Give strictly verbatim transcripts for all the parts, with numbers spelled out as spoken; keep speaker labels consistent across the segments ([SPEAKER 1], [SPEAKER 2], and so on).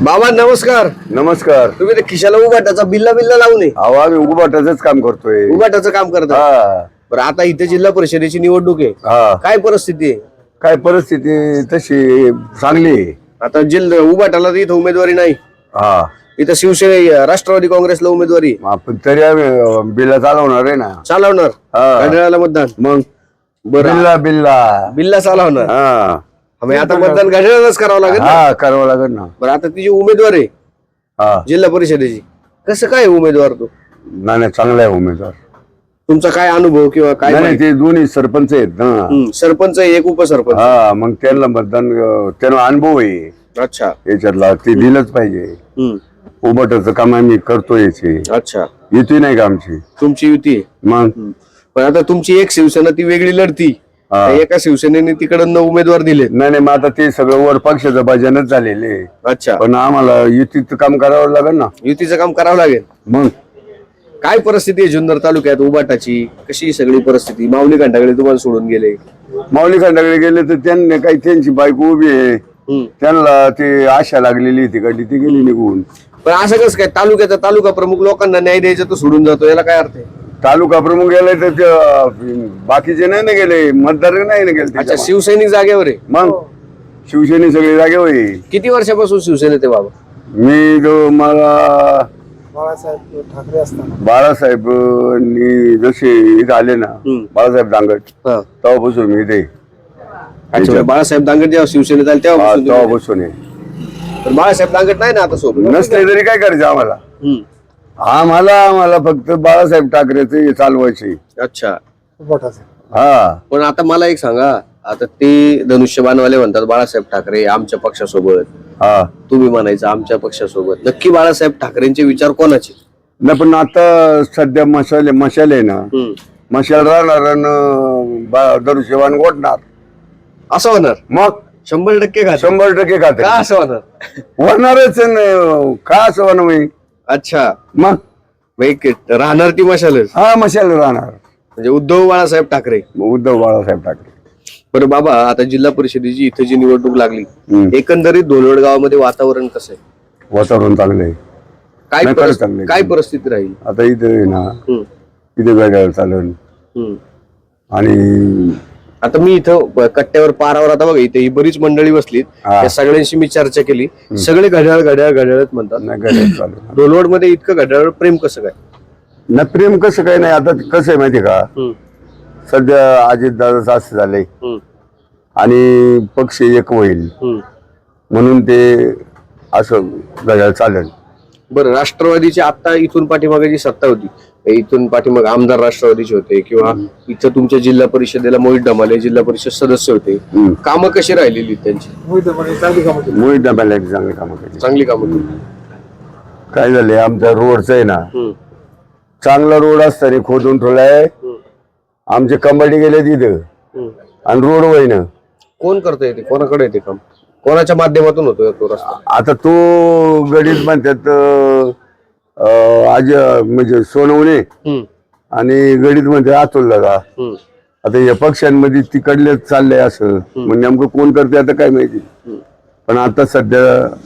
[SPEAKER 1] बाबा नमस्कार.
[SPEAKER 2] नमस्कार.
[SPEAKER 1] तुम्ही ते खिशाला उभाटाचा बिल्ला बिल्ला लावू नये.
[SPEAKER 2] अहो आम्ही उभाटाच काम करतोय.
[SPEAKER 1] उभाटाचं काम करता.
[SPEAKER 2] हा
[SPEAKER 1] बरं आता इथे जिल्हा परिषदेची निवडणूक आहे.
[SPEAKER 2] हा
[SPEAKER 1] काय परिस्थिती आहे?
[SPEAKER 2] काय परिस्थिती तशी चांगली आहे.
[SPEAKER 1] आता जिल्हा उभाटाला तर इथं उमेदवारी नाही.
[SPEAKER 2] हा
[SPEAKER 1] इथं शिवसेना राष्ट्रवादी काँग्रेसला उमेदवारी
[SPEAKER 2] आपण तरी आम्ही बिल्ला चालवणार आहे ना.
[SPEAKER 1] चालवणार.
[SPEAKER 2] हा.
[SPEAKER 1] घड्याळाला मतदान.
[SPEAKER 2] मग
[SPEAKER 1] बरं
[SPEAKER 2] बिल्ला बिल्ला
[SPEAKER 1] बिल्ला चालवणार.
[SPEAKER 2] हा
[SPEAKER 1] मग आता मतदान घड्याळालाच करावं लागेल ना?
[SPEAKER 2] हा करावं लागेल ना.
[SPEAKER 1] बरं आता ती जी उमेदवार आहे
[SPEAKER 2] हा
[SPEAKER 1] जिल्हा परिषदेची कसं काय आहे उमेदवार तो?
[SPEAKER 2] नाही नाही, चांगला आहे उमेदवार.
[SPEAKER 1] तुमचा काय अनुभव किंवा काय
[SPEAKER 2] नाही नाही,
[SPEAKER 1] माहिती?
[SPEAKER 2] ते दोन्ही सरपंच आहेत ना.
[SPEAKER 1] हम्म, सरपंच आहे, एक उपसरपंच.
[SPEAKER 2] हा मग त्यांना मतदान अं, त्यांना अनुभव आहे
[SPEAKER 1] अच्छा.
[SPEAKER 2] याच्यातला, ते दिलंच पाहिजे.
[SPEAKER 1] हम्म.
[SPEAKER 2] उभाटाचं काम आम्ही करतोय याचे.
[SPEAKER 1] अच्छा.
[SPEAKER 2] येते नाही का आमची.
[SPEAKER 1] तुमची युती आहे.
[SPEAKER 2] मग
[SPEAKER 1] पण आता तुमची एक शिवसेना ती वेगळी लढती.
[SPEAKER 2] हा.
[SPEAKER 1] त्या एका शिवसेनेने तिकडनं उमेदवार दिले.
[SPEAKER 2] नाही नाही, मग आता ते सगळं वर पक्षाचं भजनच झालेले.
[SPEAKER 1] अच्छा.
[SPEAKER 2] पण आम्हाला युतीचं काम करावं लागेल ना.
[SPEAKER 1] युतीचं काम करावं लागेल.
[SPEAKER 2] मग
[SPEAKER 1] काय परिस्थिती आहे जुन्नर तालुक्यात उबाटाची? कशी सगळी परिस्थिती? माऊली घंटाकडे तुम्हाला सोडून गेले.
[SPEAKER 2] माऊली खंडाकडे गेले तर त्यांनी काही त्यांची बायको उभी आहे,
[SPEAKER 1] हम्म.
[SPEAKER 2] त्यांना ते आशा लागलेली तिकडली, ती गेली निघून.
[SPEAKER 1] पण असं कसं काय तालुक्याचा तालुका प्रमुख लोकांना न्याय द्यायचा तो सोडून जातो, याला काय अर्थ आहे?
[SPEAKER 2] तालुका प्रमुख गेले तर ते, अं, बाकीचे नाही ना गेले, मतदार नाही ना गेले
[SPEAKER 1] अच्छा,
[SPEAKER 2] त्याच्यामध्ये.
[SPEAKER 1] शिवसैनिक जागेवर आहे.
[SPEAKER 2] मग शिवसेने सगळे जागे होईल.
[SPEAKER 1] किती वर्षापासून शिवसेनेत आहे बाबा?
[SPEAKER 2] मी जो मला
[SPEAKER 3] बाळासाहेब ठाकरे असताना
[SPEAKER 2] बाळासाहेब नी जसे इथं आले ना,
[SPEAKER 1] हम्म.
[SPEAKER 2] बाळासाहेब दांगट,
[SPEAKER 1] हा.
[SPEAKER 2] तेव्हापासून मी ते
[SPEAKER 1] अच्छा, बाळासाहेब दांगट जेव्हा शिवसेनेत आले तेव्हा
[SPEAKER 2] तेव्हापासून आहे.
[SPEAKER 1] पण बाळासाहेब दांगट नाही ना आता सोबत.
[SPEAKER 2] नसले तरी काय करायचं आम्हाला.
[SPEAKER 1] हम्म.
[SPEAKER 2] आम्हाला आम्हाला फक्त बाळासाहेब ठाकरेचे चालवायचे.
[SPEAKER 1] अच्छा.
[SPEAKER 3] उभाटाचे
[SPEAKER 2] हा
[SPEAKER 1] पण आता मला एक सांगा, आता ते धनुष्यबाणवाले म्हणतात बाळासाहेब ठाकरे आमच्या पक्षासोबत,
[SPEAKER 2] हा
[SPEAKER 1] तुम्ही म्हणायचं आमच्या पक्षासोबत. नक्की बाळासाहेब ठाकरेंचे विचार कोणाचे?
[SPEAKER 2] नाही पण आता सध्या मशाले मशाल आहे ना,
[SPEAKER 1] हम्म.
[SPEAKER 2] मशाल राहणार आणि दरुशेवान गोठणार.
[SPEAKER 1] असं होणार?
[SPEAKER 2] मग
[SPEAKER 1] शंभर टक्के का?
[SPEAKER 2] शंभर टक्के
[SPEAKER 1] का
[SPEAKER 2] खाते
[SPEAKER 1] असं होणार?
[SPEAKER 2] होणारच न, का असं होणार मी.
[SPEAKER 1] अच्छा.
[SPEAKER 2] मग
[SPEAKER 1] मग एक राहणार ती मशालच.
[SPEAKER 2] हा मशाल राहणार.
[SPEAKER 1] म्हणजे उद्धव बाळासाहेब ठाकरे.
[SPEAKER 2] उद्धव बाळासाहेब ठाकरे.
[SPEAKER 1] बरं बाबा, आता जिल्हा परिषदेची इथं जी निवडणूक लागली,
[SPEAKER 2] हम्म.
[SPEAKER 1] एकंदरीत धोलवड गावामध्ये वातावरण कसं आहे?
[SPEAKER 2] वातावरण चांगलं आहे.
[SPEAKER 1] काय
[SPEAKER 2] नाही, खरंच
[SPEAKER 1] परिस्थिती-
[SPEAKER 2] चांगलं आहे.
[SPEAKER 1] काय परिस्थिती राहील?
[SPEAKER 2] आता इथं आहे ना,
[SPEAKER 1] हम्म.
[SPEAKER 2] इथे वेगळं चालन.
[SPEAKER 1] हम्म.
[SPEAKER 2] आणि
[SPEAKER 1] आता मी इथं ब- कट्ट्यावर पारावर आता बघा इथे ही बरीच मंडळी बसलीत,
[SPEAKER 2] हा.
[SPEAKER 1] त्या सगळ्यांशी मी चर्चा केली. सगळे घड्याळ घड्याळ घड्याळच म्हणतात.
[SPEAKER 2] नाही गरज चालू
[SPEAKER 1] धोलवड मध्ये इतकं घड्याळ प्रेम कसं काय?
[SPEAKER 2] ना. प्रेम कसं काय नाही. आता कसं आहे माहिती का,
[SPEAKER 1] हम्म.
[SPEAKER 2] सध्या अजित दादा असं झालंय
[SPEAKER 1] हम्म.
[SPEAKER 2] आणि पक्ष एक होईल
[SPEAKER 1] हम्म.
[SPEAKER 2] म्हणून ते असं घड्याळ चालेल.
[SPEAKER 1] बरं, राष्ट्रवादीची आता इथून पाठीमागे जी सत्ता होती, इथून पाठीमागे आमदार राष्ट्रवादीचे होते किंवा इथं तुमच्या जिल्हा परिषदेला मोहित डमाले जिल्हा परिषद सदस्य होते,
[SPEAKER 2] हम्म.
[SPEAKER 1] कामं कशी राहिलेली त्यांची?
[SPEAKER 3] मोहित म्हणे चांगली कामं केली.
[SPEAKER 2] मोहित डब्याला एक चांगली कामं केली.
[SPEAKER 1] चांगली कामं केली.
[SPEAKER 2] काय झालंय, आमच्या रोडचं आहे ना,
[SPEAKER 1] हम्म.
[SPEAKER 2] चांगला रोड असताना खोदून ठेवलाय.
[SPEAKER 1] हम्म.
[SPEAKER 2] आमचे कंबाडी गेले तिथं
[SPEAKER 1] हम्म.
[SPEAKER 2] आणि रोड वयनं.
[SPEAKER 1] कोण करता येते? कोणाकडे येते काम? कोणाच्या माध्यमातून होतो तो रस्ता?
[SPEAKER 2] आता तो गडीत म्हणतात अं, आज म्हणजे सोनवणे
[SPEAKER 1] हम्म. आणि
[SPEAKER 2] गडीत म्हणते अतुल दादा.
[SPEAKER 1] हम्म.
[SPEAKER 2] आता या पक्षांमध्ये तिकडले चाललंय असं, मग नेमकं कोण करते आता काय माहिती. पण आता सध्या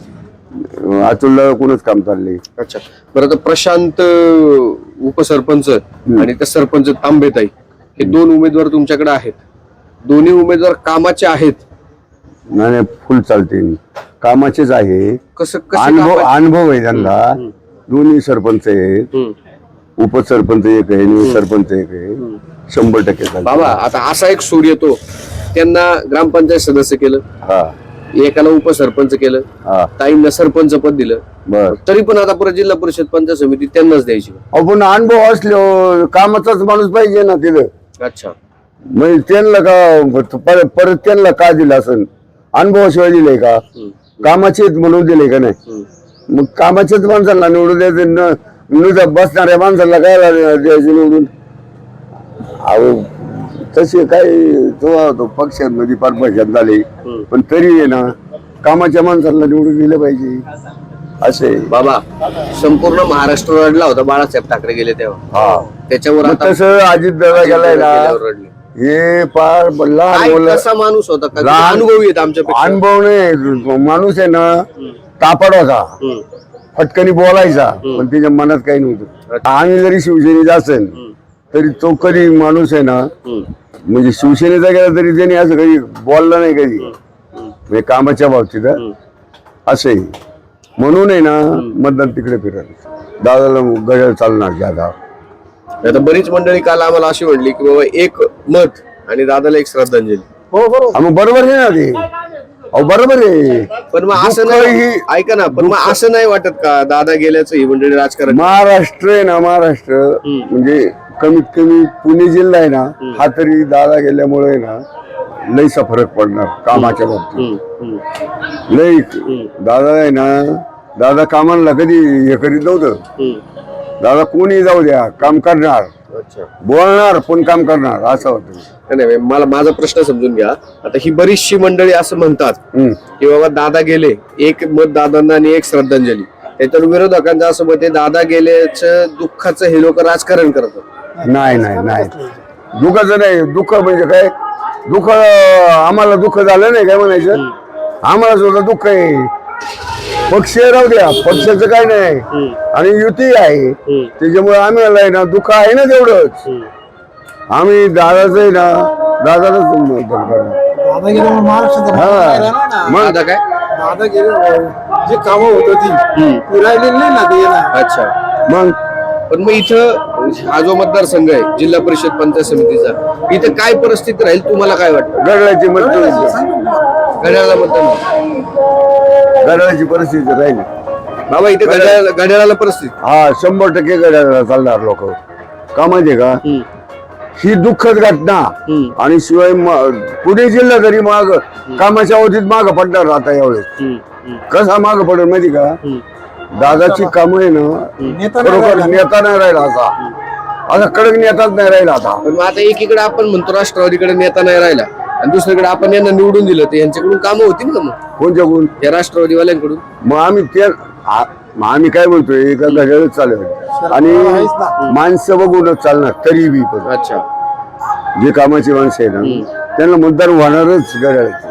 [SPEAKER 2] अतुलला कोणच काम चाललंय.
[SPEAKER 1] अच्छा. बरं, तर प्रशांत अं, उपसरपंच आणि त्या सरपंच तांबेताई हे दोन उमेदवार तुमच्याकडे आहेत. दोन्ही उमेदवार कामाचे आहेत.
[SPEAKER 2] नाही नाही, फुल चालते, कामाचेच आहे.
[SPEAKER 1] कसं कसं
[SPEAKER 2] अनुभव
[SPEAKER 1] कामाचे?
[SPEAKER 2] अनुभव आहे त्यांना. दोन्ही सरपंच आहेत,
[SPEAKER 1] हम्म.
[SPEAKER 2] उपसरपंच एक आहे आणि सरपंच एक आहे. शंभर टक्के चालते.
[SPEAKER 1] बाबा, आता असा एक सूर येतो, त्यांना ग्रामपंचायत सदस्य केलं,
[SPEAKER 2] हा
[SPEAKER 1] एकाला उपसरपंच केलं,
[SPEAKER 2] हा
[SPEAKER 1] ताईंना सरपंच पद दिलं,
[SPEAKER 2] बर.
[SPEAKER 1] तरी पण आता परत जिल्हा परिषद पंचायत समिती त्यांनाच द्यायची.
[SPEAKER 2] आपण अनुभव असलो कामाचाच माणूस पाहिजे ना तिथं.
[SPEAKER 1] अच्छा.
[SPEAKER 2] म्हणजे त्यांना का परत परत त्यांना का दिलं असं, अनुभवाशिवाय दिलंय का? कामाचे म्हणून दिले का नाही?
[SPEAKER 1] हम्म.
[SPEAKER 2] मग कामाच्याच माणसाला निवडून द्यायचं, न नुसतं बसणाऱ्या माणसाला काय द्यायचं निवडून? अहो तसे काय तो तो पक्षांमध्ये फार पक्षात झाले, पण तरी आहे ना कामाच्या माणसाला निवडून दिलं पाहिजे असे.
[SPEAKER 1] बाबा, संपूर्ण महाराष्ट्र रडला होता बाळासाहेब ठाकरे गेले तेव्हा.
[SPEAKER 2] हा
[SPEAKER 1] त्याच्यावर
[SPEAKER 2] मग
[SPEAKER 1] आता
[SPEAKER 2] तसं अजित दादा गेलाय ना,
[SPEAKER 1] गेल्यावर रडले.
[SPEAKER 2] हे फार लहान
[SPEAKER 1] काय
[SPEAKER 2] मुलं,
[SPEAKER 1] कसा माणूस होता का?
[SPEAKER 2] लहान-
[SPEAKER 1] अनुभवी आहेत आमच्या
[SPEAKER 2] अनुभव नाही माणूस आहे ना, तापड होता,
[SPEAKER 1] हम्म.
[SPEAKER 2] फटकनी बोलायचा, पण त्याच्या मनात काही नव्हतं. आम्ही जरी शिवसेनेचा असेल तरी तो कधी माणूस आहे ना,
[SPEAKER 1] हम्म.
[SPEAKER 2] म्हणजे शिवसेनेचा गेला तरी त्याने असं कधी बोलला नाही कधी, म्हणजे कामाच्या बाबतीत हं. असं आहे. म्हणून आहे ना मतदान तिकडे फिरत. दादाला गजर चालणार ज्यादा.
[SPEAKER 1] आता बरीच मंडळी काल आम्हाला अशी म्हणली की बाबा एक मत आणि दादाला एक श्रद्धांजली.
[SPEAKER 3] हो बरोबर.
[SPEAKER 2] मग बरोबर आहे ना ते, अहो बरोबर आहे.
[SPEAKER 1] पण मग असं
[SPEAKER 2] दुःख
[SPEAKER 1] नाही,
[SPEAKER 2] ही-
[SPEAKER 1] ऐका ना, पण मग असं नाही वाटत का दादा गेल्याचं ही मंडळी राजकारण.
[SPEAKER 2] महाराष्ट्र आहे ना, महाराष्ट्र म्हणजे कमीत कमी पुणे जिल्हा आहे ना, हा तरी दादा गेल्यामुळे आहे ना लईचा फरक पडणार कामाच्या बाबतीत.
[SPEAKER 1] हम्म, हम्म,
[SPEAKER 2] लई दादा आहे ना, दादा कामाला कधी हे करीत नव्हतं.
[SPEAKER 1] हम्म.
[SPEAKER 2] दादा कोणी जाऊ द्या काम करणार,
[SPEAKER 1] अच्छा.
[SPEAKER 2] बोलणार पण काम करणार असं होतं.
[SPEAKER 1] नाही, नाही, मला माझा प्रश्न समजून घ्या. आता ही बरीचशी मंडळी असं म्हणतात
[SPEAKER 2] हम्म.
[SPEAKER 1] की बाबा दादा गेले, एक मत दादांना आणि एक श्रद्धांजली. त्याच्यावर विरोधकांचं असं मत आहे दादा गेल्याचं दुःखाचं हे लोक राजकारण करतात.
[SPEAKER 2] नाही नाही नाही दुःखाचं नाही. दुःख म्हणजे काय, दुःख आम्हाला दुःख झालं नाही काय म्हणायचं, आम्हाला सुद्धा दुःख आहे. पक्ष राहू द्या, पक्षाचं काय नाही आणि युती आहे, त्याच्यामुळे आम्हाला आहे ना दुःख आहे ना तेवढंच. आम्ही दादाच आहे ना, दादालाच मतदान करणार.
[SPEAKER 3] दादा गेल्यामुळे महाराष्ट्राचा भाग राहिला नाही ना.
[SPEAKER 2] मग
[SPEAKER 1] दादा काय?
[SPEAKER 3] दादा गेले जी कामं होत होती ती राहिलेली नाही ना ते ना.
[SPEAKER 1] अच्छा.
[SPEAKER 2] मग
[SPEAKER 1] पण मग इथं हा जो मतदारसंघ आहे जिल्हा परिषद पंचायत समितीचा, इथं काय परिस्थिती राहील तुम्हाला काय वाटतं?
[SPEAKER 2] गडळाची मत
[SPEAKER 1] घड्याळाला मतदान,
[SPEAKER 2] गडळाची परिस्थिती राहिली.
[SPEAKER 1] बाबा इथे घड्याळ घड्याळाला परिस्थिती.
[SPEAKER 2] हा शंभर टक्के गडळाला चालणार लोक. का माहितीये का,
[SPEAKER 1] हम्म,
[SPEAKER 2] ही दुःखद घटना
[SPEAKER 1] हम्म,
[SPEAKER 2] आणि शिवाय म- पुणे जिल्हा तरी माग कामाच्या अवधीत माग पडणार आता यावेळेस.
[SPEAKER 1] हम्म, हम्म,
[SPEAKER 2] कसा माग पडेल माहिती का,
[SPEAKER 1] हम्म.
[SPEAKER 2] दादाची कामं आहे ना,
[SPEAKER 3] नेता नाही
[SPEAKER 2] खरोखर
[SPEAKER 3] राहिला.
[SPEAKER 2] नेता नाही राहिला असा, असा कडक नेताच नाही राहिला आता.
[SPEAKER 1] पण मग आता एकीकडे आपण म्हणतो राष्ट्रवादीकडे नेता नाही राहिला आणि दुसरीकडे आपण यांना निवडून दिलं, तर यांच्याकडून कामं होतील ना मग
[SPEAKER 2] कोणत्या कोण,
[SPEAKER 1] या राष्ट्रवादीवाल्यांकडून?
[SPEAKER 2] मग आम्ही ते आ- मग आम्ही काय बोलतोय, एका घड्याळच चालेल आणि माणसं बघूनच चालणार तरी बी. पण
[SPEAKER 1] अच्छा.
[SPEAKER 2] जे कामाची माणसं आहे ना त्यांना मतदान होणारच घड्याळाचं.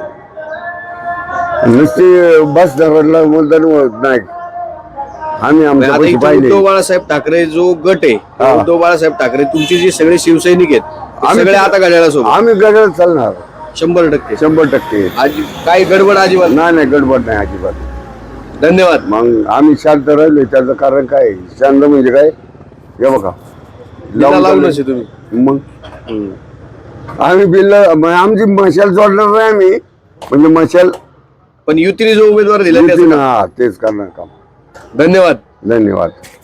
[SPEAKER 2] नुसते बस धरला मतदान होत नाही. आम्ही आमच्या
[SPEAKER 1] आता
[SPEAKER 2] पैसे
[SPEAKER 1] इथं
[SPEAKER 2] पाहिले.
[SPEAKER 1] उद्धव बाळासाहेब ठाकरे जो गट आहे,
[SPEAKER 2] हा.
[SPEAKER 1] उद्धव बाळासाहेब ठाकरे तुमचे जे सगळे शिवसैनिक आहेत ते
[SPEAKER 2] आम्ही-
[SPEAKER 1] सगळे आता घड्याळासोबत
[SPEAKER 2] आम्ही गडळ चालणार
[SPEAKER 1] शंभर टक्के.
[SPEAKER 2] शंभर टक्के.
[SPEAKER 1] आज काही गडबड अजिबात नाही.
[SPEAKER 2] नाही नाही गडबड नाही अजिबात.
[SPEAKER 1] धन्यवाद.
[SPEAKER 2] मग आम्ही शांत राहिलो त्याचं कारण काय, शांत म्हणजे काय, हे बघा
[SPEAKER 1] बिल्ला लावूनच आहे तुम्ही.
[SPEAKER 2] मग
[SPEAKER 1] हम्म.
[SPEAKER 2] आम्ही बिल आमची मशाल जोडणार नाही आम्ही, म्हणजे मशाल
[SPEAKER 1] पण युतीने जो उमेदवार दिला त्याचं
[SPEAKER 2] हा तेच करणार काम.
[SPEAKER 1] धन्यवाद.
[SPEAKER 2] धन्यवाद.